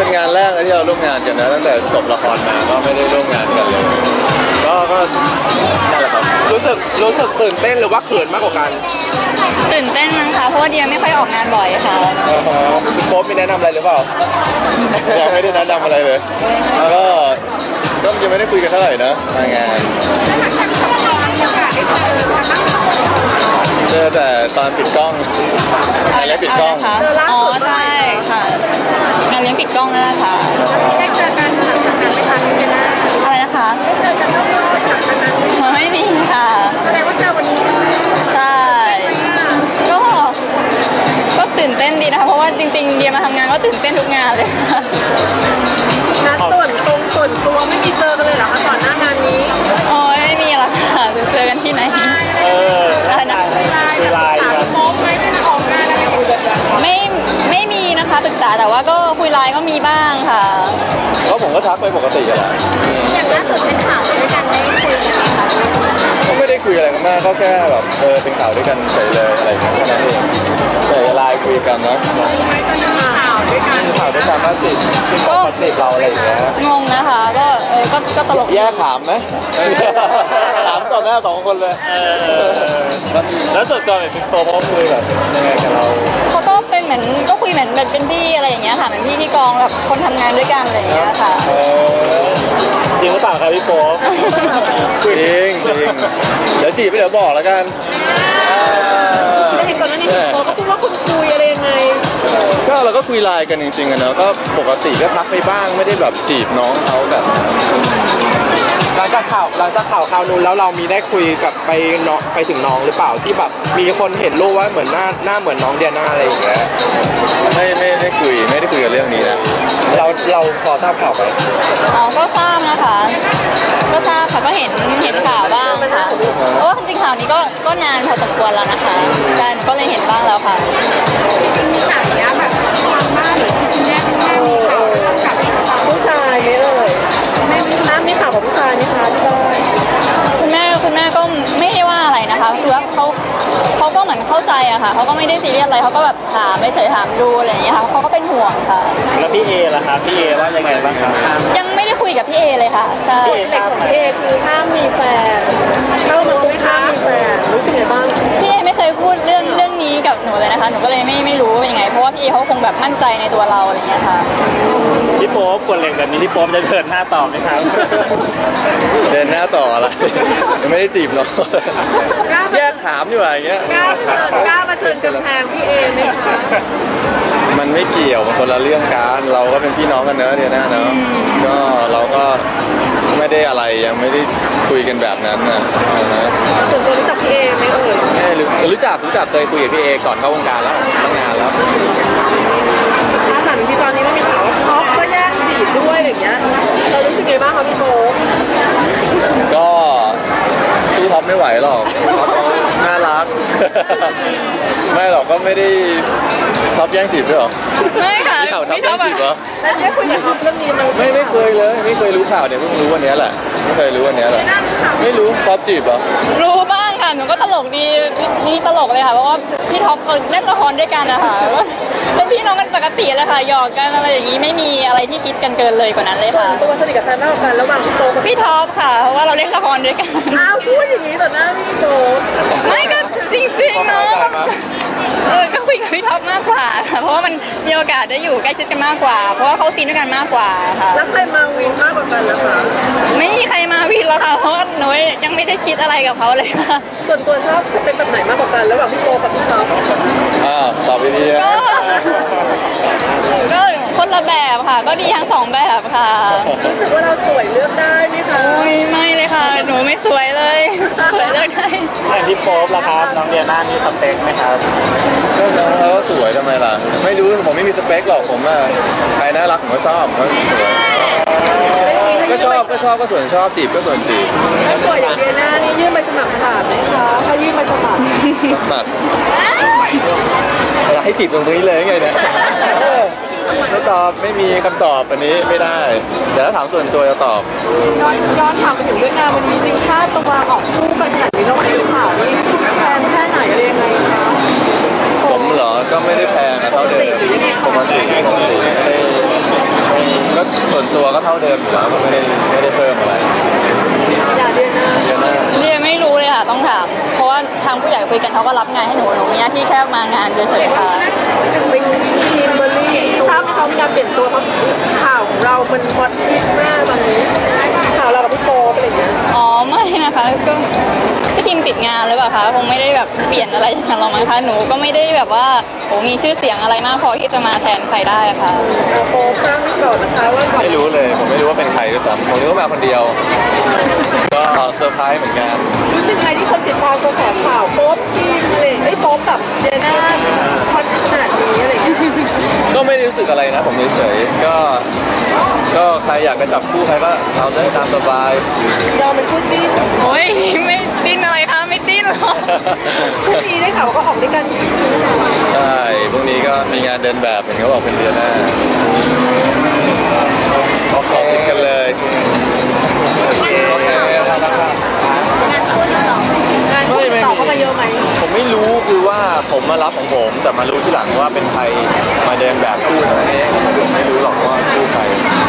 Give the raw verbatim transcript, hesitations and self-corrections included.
เป็นงานแรกที่เราร่วมงานกันนะตั้งแต่จบละครมาก็ไม่ได้ร่วมงานกันเลยก็ก็นั่นแหละครับรู้สึกรู้สึกตื่นเต้นหรือว่าเขินมากกว่ากันตื่นเต้นมั้งคะเพราะว่าเดียไม่ค่อยออกงานบ่อยค่ะคุณโป๊ปมีแนะนำอะไรหรือเปล่ายังไม่ได้แนะนำอะไรเลยก็ก็ยังไม่ได้คุยกันเท่าไหร่นะมางานเจอแต่ตอนปิดกล้องงานเลี้ยงปิดกล้องอ๋อใช่ค่ะงานเลี้ยงปิดกล้องนั่นแหละค่ะได้เจอกันหลังจากนั้นไหมคะอะไรนะคะได้เจอกันต้องรู้จักกันนั้นไม่มีค่ะแสดงว่าเจอวันนี้ใช่ก็ก็ตื่นเต้นดีนะคะเพราะว่าจริงๆเดียมาทำงานก็ตื่นเต้นทุกงานเลยค่ะนัดส่วนตรงส่วนตัวไม่มีเจอกันเลยเหรอคะก่อนหน้างานนี้โอ้ยไม่มีหรอกค่ะจะเจอกันที่ไหนเอออะไรนะเวลาโป๊ปไหมไม่ได้ออกงานอะไรคุยกันไม่ไม่มีนะคะปรึกษาแต่ว่าก็คุยไลน์ก็มีบ้างค่ะก็ผมก็ทักไปปกติกันแหละอย่างล่าสุดเป็นข่าวด้วยกันได้คุยกันไหมคะก็ไม่ได้คุยอะไรกันมากก็แค่แบบเออเป็นข่าวด้วยกันเฉยเลยอะไรอย่างเงี้ยแค่นั้นเองแต่ไลน์คุยกันนะไม่ตอนนี้ข่าวด้วยกันข่าวด้วยกันว่าติดก็ติดเราอะไรอย่างเงี้ยงงนะคะก็เออก็ก็ตลกแยกถามไหมถามต่อหน้าสองคนเลยแล้วส่วนตัวเป็นโป๊ปเขาคุยแบบยังไงกับเราเขาก็เป็นเหมือนก็คุยเหมือนเป็นพี่อะไรอย่างเงี้ยค่ะเป็นพี่ที่กองแบบคนทำงานด้วยกันอะไรอย่างเงี้ยค่ะจริงหรือเปล่าครับพี่โป๊ปจริงจริงเดี๋ยวจีบไปเดี๋ยวบอกแล้วกันแต่เห็นก่อนหน้านี้คุณโป๊ปก็พูดว่าคุณคุยอะไรยังไงก็เราก็คุยไลน์กันจริงๆอะเนาะก็ปกติก็ทักไปบ้างไม่ได้แบบจีบน้องเขาแบบหลังจากข่าวหลังจากข่าวข่าวนู้นแล้วเรามีได้คุยกับไปน้องไปถึงน้องหรือเปล่าที่แบบมีคนเห็นรูปว่าเหมือนหน้าหน้าเหมือนน้องเดียน่าอะไรอย่างเงี้ยไม่ไม่ได้คุยไม่ได้คุยกับเรื่องนี้นะเราเราพอทราบข่าวไหมอ๋อก็ทราบนะคะก็ทราบค่ะก็เห็นเห็นข่าวบ้างค่ะเพราะว่าจริงๆข่าวนี้ก็ก็นานพอสมควรแล้วนะคะใช่ก็เลยเห็นบ้างแล้วค่ะมีข่าวนี้แบบทางบ้านหรือคุณแม่คุณแม่มีข่าวกับผู้ชายไหมเอ่ยแม่มีน้ำมีข่าวกับผู้ชายนี่คะที่บ้านคุณแม่คุณแม่ก็ไม่ได้ว่าอะไรนะคะคือว่าเขาเขาก็เหมือนเข้าใจอะค่ะเขาก็ไม่ได้ซีเรียสอะไรเขาก็แบบถามไม่เฉยถามดูอะไรอย่างเงี้ยค่ะเขาก็เป็นห่วงค่ะแล้วพี่เอล่ะครับพี่เอว่ายังไงบ้างครับยังไม่ได้คุยกับพี่เอเลยค่ะใช่เด็กของพี่เอคือห้ามมีแฟนเข้ามาไม่ห้ามมีแฟนรู้สึกไงบ้างพี่เอไม่เคยพูดเรื่องเรื่องนี้กับหนูเลยนะคะหนูก็เลยไม่ไม่รู้ว่าเป็นยังไงเพราะว่าพี่เอเขาคงแบบมั่นใจในตัวเราอะไรอย่างเงี้ยค่ะพี่โป๊ปคนเล็กแบบนี้พี่โป๊ปจะเดินหน้าต่อไหมครับเดินหน้าต่ออะไรยังไม่ได้จีบหรอกแยกถามอยู่อะไรเงี้ยกล้าเชิญกล้ามาเชิญกำแพงพี่เอไหมคะมันไม่เกี่ยวมันคนละเรื่องกันเราก็เป็นพี่น้องกันเนอะเดียน่าเนอะก็เราก็ไม่ได้อะไรยังไม่ได้คุยกันแบบนั้นนะส่วนตัวรู้จักพี่เอไหมเอ่ยไม่รู้รู้จักรู้จักเคยคุยกับพี่เอก่อนเข้าวงการแล้วตั้งนานแล้วถ้าหลังที่ตอนนี้ไม่มีข่าวว่าท็อปก็แย่งจีบด้วยอะไรอย่างเงี้ยเรารู้สึกไงบ้างคะพี่โป๊ปก็สู้ท็อปไม่ไหวหรอกท็อปน่ารักไม่หรอกก็ไม่ได้ท็อปแย่งจีบด้วยหรอไม่ค่ะมีข่าวท็อปแย่งจีบเหรอแล้วได้คุยกับท็อปเรื่องนี้มั้ยไม่ไม่เคยเลยไม่เคยรู้ข่าวเนี่ยเพิ่งรู้วันนี้แหละไม่เคยรู้วันนี้แหละไม่รู้ท็อปจีบเหรอรู้บ้างค่ะหนูก็ตลกดีนี่ตลกเลยค่ะเพราะว่าพี่ท็อปเล่นละครด้วยกันนะคะเป็นพี่น้องกันปกติเลยค่ะหยอกกันอะไรอย่างนี้ไม่มีอะไรที่คิดกันเกินเลยกว่านั้นเลยค่ะตัวสนิทกับแฟนมากกว่ากันระหว่างพี่โป๊ปกับพี่ท็อปค่ะเพราะว่าเราเล่นละครด้วยกันอ้าวพูดอย่างนี้ต่อหน้าพี่โป๊ปไม่ก็จริงๆเนาะเออก็คุยกับพี่ท็อปมากกว่าค่ะเพราะว่ามันมีโอกาสได้อยู่ใกล้ชิดกันมากกว่าเพราะว่าเขาซีนด้วยกันมากกว่าค่ะแล้วใครมาวินมากกว่ากันนะคะไม่มีใครมาวินแล้วค่ะเพราะหนูยังไม่ได้คิดอะไรกับเขาเลยค่ะส่วนตัวชอบเป็นแบบไหนมากกว่ากันระหว่างพี่โป๊ปกับพี่ท็อปอ่าตอบดีๆก็ก็คนละแบบค่ะก็ดีทั้งสองแบบค่ะรู้สึกว่าเราสวยเลือกได้ไหมคะไม่ไม่เลยค่ะหนูไม่สวยเลยสวยเลือกได้อย่างพี่โป๊ปล่ะครับน้องเดียน่ามีสเปคไหมครับก็เขาก็สวยทำไมล่ะไม่รู้ผมไม่มีสเปคหรอกผมอะใครน่ารักผมก็ชอบเขาสวยก็ชอบก็ชอบก็ส่วนชอบจีบก็ส่วนจีบถ้าสวยอย่างเดียน่านี่ยื่นใบสมัครผ่านไหมคะถ้ายื่นใบสมัครสมัครให้จีบตรงนี้เลยไงเนี่ยไม่ตอบไม่มีคำตอบอันนี้ไม่ได้เดี๋ยวถ้าถามส่วนตัวจะตอบย้อนย้อนถามไปถึงเรื่องงานวันนี้จริงค่าตัวออกคู่กันขนาดนี้เราไม่ได้ข่าวนี่แพงแค่ไหนอะไรยังไงคะผมเหรอก็ไม่ได้แพงนะเท่าเดิมปกติปกติไม่ได้ไม่ตัวก็เท่าเดิมอยู่แล้วก็ไม่ได้ไม่ได้เพิ่มอะไรอย่าเดือนหน้าเดือนหน้าเรียนไม่รู้เลยค่ะต้องถาม เพราะว่าทางผู้ใหญ่คุยกันเขาก็รับงานให้หนูหนูมีหน้าที่แค่มางานเฉยๆค่ะเป็นทีมเบอร์รี่ทราบไหมเขามีการเปลี่ยนตัวเพราะข่าวของเรามันฮอตฮิตมากตอนนี้ข่าวเรากับพี่โป๊ปอะไรอย่างเงี้ยอ๋อไม่นะคะก็ก็ทีมติดงานหรือเปล่าคะคงไม่ได้แบบเปลี่ยนอะไรอย่างเรามั้งคะหนูก็ไม่ได้แบบว่าโหมีชื่อเสียงอะไรมากพอที่จะมาแทนใครได้อะค่ะเอาโป๊ปทราบไม่ก่อนนะคะว่าก่อนไม่รู้เลยผมไม่รู้ว่าเป็นใครด้วยซ้ำผมนึกว่ามาคนเดียว ก็เซอร์ไพรส์เหมือนกันรู้สึกไงที่คนติดตามกระแสข่าวโป๊ปทีมอะไรไอ้ยโป๊ปกับเจน่าฮอตขนาดนี้อะไรอย่างเงี้ยก็ไม่ได้รู้สึกอะไรนะผมเฉยๆก็ก็ใครอยากจะจับคู่ใครก็เอาเลยตามสบายยอมเป็นคู่จิ้นโอ้ยไม่จิ้นอะไรคะไม่จิ้นหรอกคู่นี้ได้ข่าวว่าก็ออกด้วยกันใช่พรุ่งนี้ก็มีงานเดินแบบเห็นเขาบอกเป็นเดือนหน้าก็ขอติดกันเลยโอเคงานคู่ติดต่อเข้ามาเยอะไหมผมไม่รู้คือว่าผมมารับของผมแต่มารู้ที่หลังว่าเป็นใครมาเดินแบบคู่นั่นเองผมไม่รู้หรอกว่าคู่ใคร